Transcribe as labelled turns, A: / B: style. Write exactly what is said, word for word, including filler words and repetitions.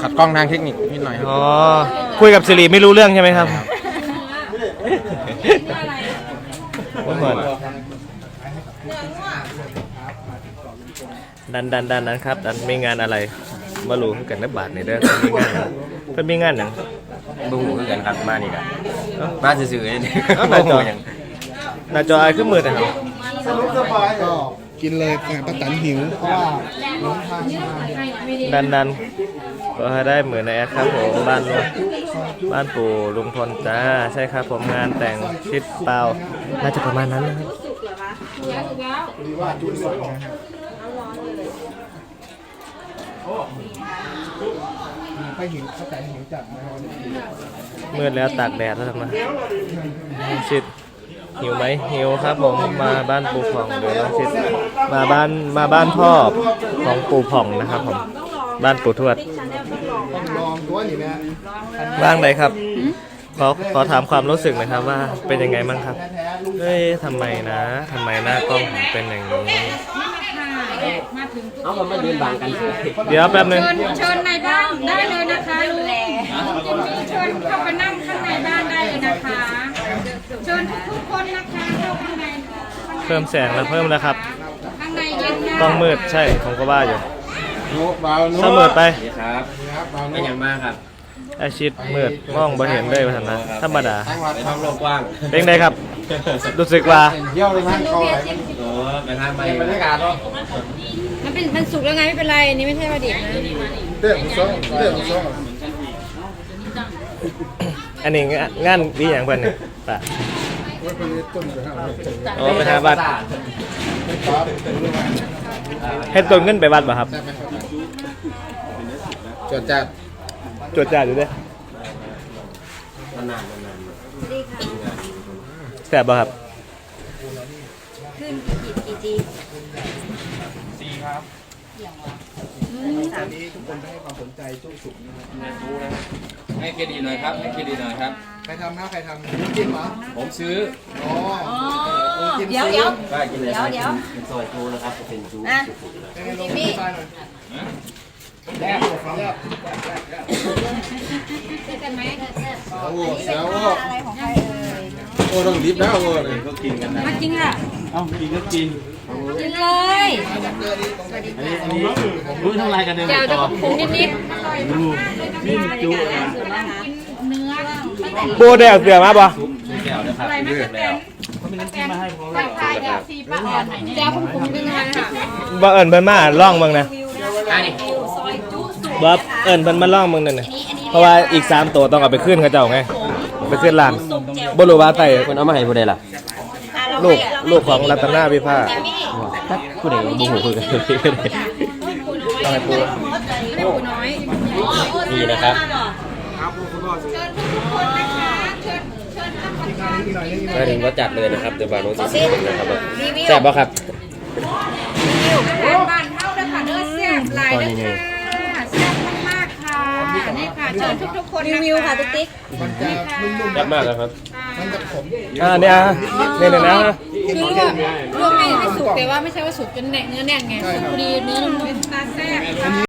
A: ขัดกล้องทางเทคนิคนิดหน่อยครับ
B: อ๋อคุยกับสิริไม่รู้เรื่องใช่ไหมครับว่าเหมือนดันดันดันนั้นครับดันมีงานอะไรมารู้กันนับบาทในเด้อมีงานเพิ่นมีงานหนัง
A: ดูคือกันครับมานี่กันมาซื่อๆนี่
B: หน้าจอหน้าจอไอ้ขึ้นมือนะครับ
C: ก็กินเลยแต่ป้าตันหิวเพราะว่าหลงทางมา
B: ดันดันก็ให้ได้เหมือนในแอดครับผมบ้านลุงบ้านปู่ลุงพลจ้าใช่ครับผมงานแต่งชิดเปล่าน่าจะประมาณนั้นนะครับ
C: ดีว่าจุดสองนะครับไปหิวป้าตันหิวจัดนะครับ
B: มืดแล้วตากแดดแล้วทำไมชิดหิวไหมหิวครับผมมาบ้านปู่ผ่องเดี๋ยวน้องชิดมาบ้านมาบ้านพ่อของปู่ผ่องนะครับผมบ้านปู่ทวด
C: ต้องลองตัวนี่แม่
B: บ้างใดครับขอขอถามความรู้สึกหนะครับว่าเป็นยังไงบ้างครับเฮ้ยทำไมนะทำไมหน้ากล้องผมเป็นอย่างนี้
D: เอามันไม่เดินบางกันสิ
B: เดี๋ยวแป๊บนึง
E: เชิญเชิญในบ้านได้เลยนะคะลุงจิมมี่เชิญเข้าไปนั่งข้างในบ้านได้เลยนะคะ เชิญทุกๆคนนะคะเข้าข้างใน
B: เพิ่มแสงแล้วเพิ่มแล้วครับ
E: ข้างในเย็นนะ
B: กล้องมืดใช่ผมก็ว่าอยู่
C: โน้เบาโน้
B: เสมอไป
A: ครับ
C: ครับเบา
A: เป็น
C: โน้
A: อย่างมากครับ
B: ไอชิดมืดมองบ่เห็นเลยว่าทำนะธรรมดา
C: ทางวัด
A: ไป
C: ทา
A: ทาง งโลกกว้าง
B: เป็นไงครับรู้สึกว่า
C: เที่ยวในทางคอไหล
A: โอ้ไปทางไปบรรยากาศเนาะ
E: มันเป็นมันสุกแล้วไงไม่เป็นไรนี่ไม่ใช่ว่าดิบนะ
C: เด็กซ้อมเด็กซ้อม
B: อันนี้งานงานวิอย่างเพื่อนเนี่ยป่ะ
C: ไว้เป็นต้นไปห้าร้อยเจ็ด
B: โอ้ไปทางวัด
C: ไม่ครับรู้ไหม
B: เฮ็ดต้นเงินไปวัดป่ะครับ
C: ได้ไหมครับจดจัด
B: จดจ่ายอยู่เด้อ
A: นานๆนาน
B: แซ่บป่ะครับ
E: ขึ้นกี่กี่จี
C: ตอนนี้ทุกคนให้ความสนใจจุ้สุกนะครับ
A: ๆให้เครดิตหน่อยครับให้เครดิตหน่อยครับ
C: ใครทำนะใครทำน้ำจิ้มเหรอ
A: ผมซื้อ
C: อ๋อ
E: เดี๋ยวเดี๋ยว
A: ได้กินเลย
E: เดี๋ยวเดี๋ยว
A: เป็นซอยจูนะครับเป็นจู
E: อ่ะ
C: จิมมี่หน่อยแรกแรก
E: เจอกันไหม
C: โอ้โหเสียว
E: อะไรของใครเอ่ย
C: โอ้ต้องรีบแล้วโอ้เลย
A: ก็กินกันนะ
E: มาจริงอ่ะ
A: เอ้ากินก็กิน
E: กินเลย
A: อันนี้อันนี้รู้เท่าไรกันเนี่ย
E: เดี๋ยวจะปรุงนิดนิด
A: นี่จูนะ
E: เนื้อ
B: โบแดงเสือมาป่ะ
A: แก้วนะครับเลือกแล้ว
E: เดี๋ยวผมปรุงเป็นไงค่ะ
B: บ่เอิญเพิ่นมาล่องเบิ่งนะ
A: อันนี้
B: บ่เอิญเพิ่นมาล่องเบิ่งนั่นน่ะเพราะว่าอีกสามตัวต้องเอาไปขึ้นเขาเจ้าไงไปขึ้นร้านบ่รู้ว่าไต่
A: คนเอามาให้ผู้ใดล่ะ
B: ลูกลูกของรัตนาวิภา
A: ผู้ใดบุหูคุยกัน
B: ต้องให้ปู
E: ไม่ปูน้อย
A: ดีนะครับ มาถึงก็จัดเลยนะครับเดี๋ยวบาโน้ตจะสินะครับแซ่บป่ะครับ
E: บ้านเท่าเลยค่ะเนื้อแซ่บหลายเลยค่ะแซ่บมากๆค่ะนี่ค่ะเชิญทุกๆคนรีวิวค่ะติ๊กติ๊ก
C: มันจะนุ่ม
A: แซ่บมากครับ
C: ๆมันจะขม
B: อ่าเนี่ยอ่ะเนี่ยเนี่ยนะ
E: คือลวกลวกไม่ไม่สุกแต่ว่าไม่ใช่ว่าสุกจนแน่นเนื้อแน่นไงสุกพอดีเนื้อนุ่มๆตาแซ่บ